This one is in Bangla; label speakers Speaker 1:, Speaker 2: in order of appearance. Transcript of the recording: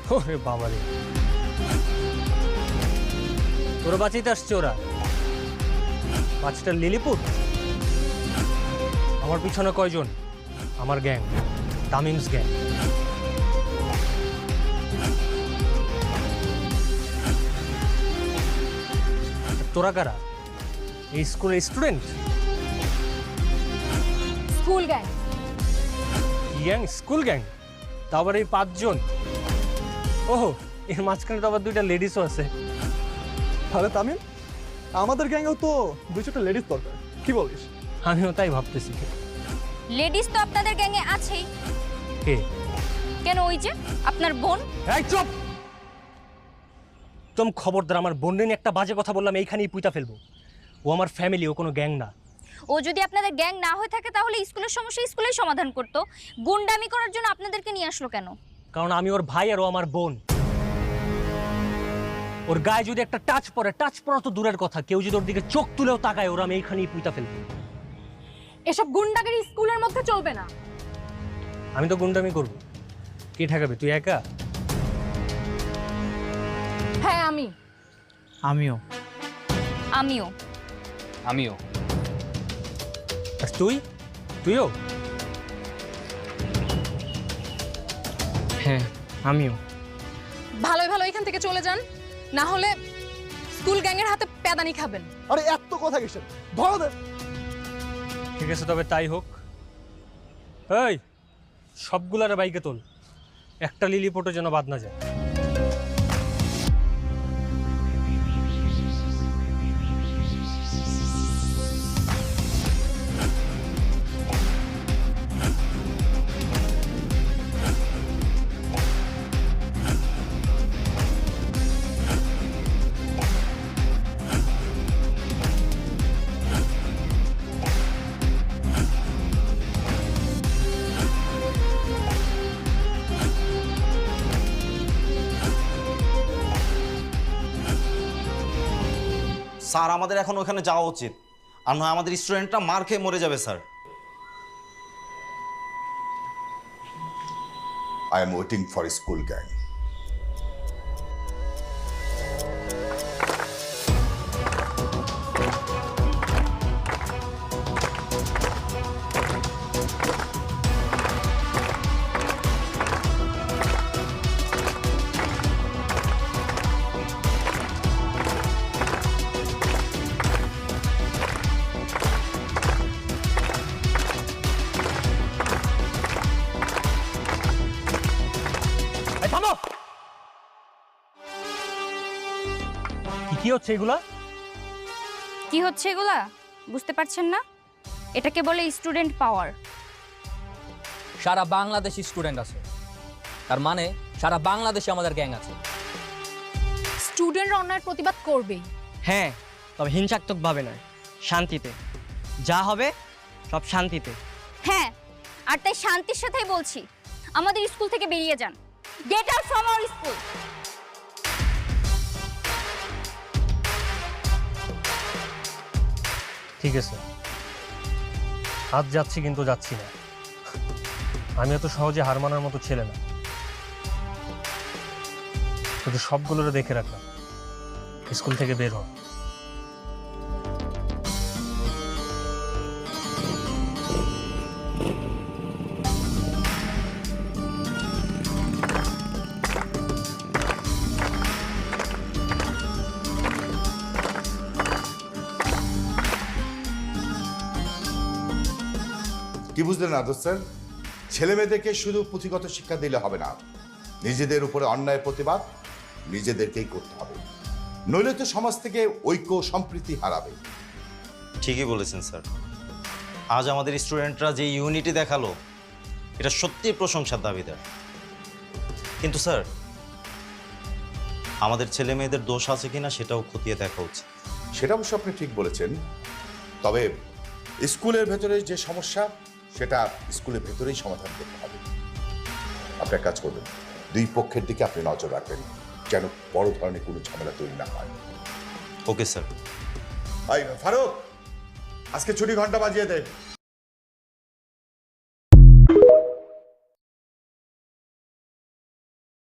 Speaker 1: ওরে বাবা রে, তোরা বাঁচাইতে আসছে ওরা? বাচ্চাটা লিলিপুট। আমার পিছনে কয়জন? আমার গ্যাং, তামিমস গ্যাং। তোরা কারা? এই স্কুলের student?
Speaker 2: School gang.
Speaker 1: Gang? School gang? তা আবার এই 5 জন? ওহো, এর মাঝখানে তো আবার 2টা লেডিসও আছে।
Speaker 3: তাহলে তামিম, আমাদের গ্যাংয়েও তো 2-4টা লেডিস দরকার, কি বলিস?
Speaker 1: আমিও তাই ভাবতেছি।
Speaker 2: লেডিস তো আপনাদের গ্যাংয়ে আছেই।
Speaker 1: কে?
Speaker 2: কেন, ওই যে আপনার বোন।
Speaker 1: এই চুপ! একদম খবরদার, আমার বোন নিয়ে একটা বাজে কথা বললাম এইখানেই পুইতা ফেলবো। ও আমার ফ্যামিলি, ও কোনো গ্যাং না।
Speaker 2: ও যদি আপনাদের গ্যাং না হয়ে থাকে তাহলে স্কুলের সমস্যা স্কুলেই সমাধান করতো। গুন্ডামি করার জন্য আপনাদেরকে নিয়ে আসলো কেন?
Speaker 1: কারণ আমি ওর ভাই আর ও আমার বোন। ওর গায়ে যদি একটা টাচ পড়ে, টাচ পড়া তো দূরের কথা, কেউ যদি ওর দিকে চোখ তুলেও তাকায়, ওরা আমি এইখানেই পুইতা ফেলবো।
Speaker 2: এসব গুন্ডাগিরি স্কুলের মধ্যে চলবে না।
Speaker 1: আমি তো গুন্ডামি করবো, কে ঠেকাবে? তুই একা?
Speaker 2: হ্যাঁ, আমি।
Speaker 4: আমিও।
Speaker 2: আমিও।
Speaker 4: আমিও।
Speaker 1: আর তুই? তুইও?
Speaker 4: হ্যাঁ, আমিও।
Speaker 5: ভালোই ভালো এখান থেকে চলে যান, না হলে স্কুল গ্যাংয়ের হাতে প্যাদানি খাবেন।
Speaker 3: আরে এত কথা কিসের, ধরো দে।
Speaker 1: ঠিক আছে, তবে তাই হোক। এই সবগুলার বাইকে তোল, একটা লিলিপোটও যেন বাদ না যায়।
Speaker 6: স্যার, আমাদের এখন ওখানে যাওয়া উচিত, আর নয় আমাদের স্টুডেন্টরা মার খেয়ে মরে যাবে sir.
Speaker 7: I am waiting for a school gang.
Speaker 1: এই থামো! কি হচ্ছে এগুলা?
Speaker 2: কি হচ্ছে এগুলা বুঝতে পারছেন না? এটাকে বলে স্টুডেন্ট পাওয়ার।
Speaker 8: সারা বাংলাদেশি স্টুডেন্ট আছে, তার মানে সারা বাংলাদেশে আমাদের গ্যাং আছে।
Speaker 5: স্টুডেন্টরা অন্যায়ের প্রতিবাদ করবেই।
Speaker 4: হ্যাঁ, তবে হিংসাত্মকভাবে নয়, শান্তিতে। যা হবে সব শান্তিতে।
Speaker 2: হ্যাঁ, আর তাই শান্তির সাথেই বলছি, আমাদের স্কুল থেকে বেরিয়ে যান। Get out from our school.
Speaker 1: ঠিক আছে, আজ যাচ্ছি, কিন্তু যাচ্ছি না। আমি এত সহজে হার মানার মতো ছেলে না। শুধু সবগুলোরে দেখে রাখলাম, স্কুল থেকে বের হ।
Speaker 7: কি বুঝলেন আদর স্যার? ছেলে মেয়েদেরকে শুধু পুঁথিগত শিক্ষা দিলে হবে না, নিজেদের উপরে অন্যায় প্রতিবাদ নিজেদেরকেই করতে হবে, নইলে তো সমাজ থেকে ঐক্য সম্প্রীতি হারাবে।
Speaker 6: ঠিকই বলেছেন স্যার, আজ আমাদের স্টুডেন্টরা যে ইউনিটি দেখালো এটা সত্যিই প্রশংসার দাবিদার। কিন্তু স্যার, আমাদের ছেলে মেয়েদের দোষ আছে কিনা সেটাও খতিয়ে দেখা উচিত।
Speaker 7: সেটা অবশ্য আপনি ঠিক বলেছেন, তবে স্কুলের ভেতরে যে সমস্যা সেটা স্কুলের ভেতরেই সমাধান করতে হবে। আপনি এক কাজ করবেন, 2 পক্ষের দিকে আপনি নজর রাখবেন যেন বড় ধরনের কোনো ঝামেলা তৈরি না হয়।
Speaker 6: Okay sir.
Speaker 7: ফারুক, আজকে ছুটি ঘন্টা বাজিয়ে দে।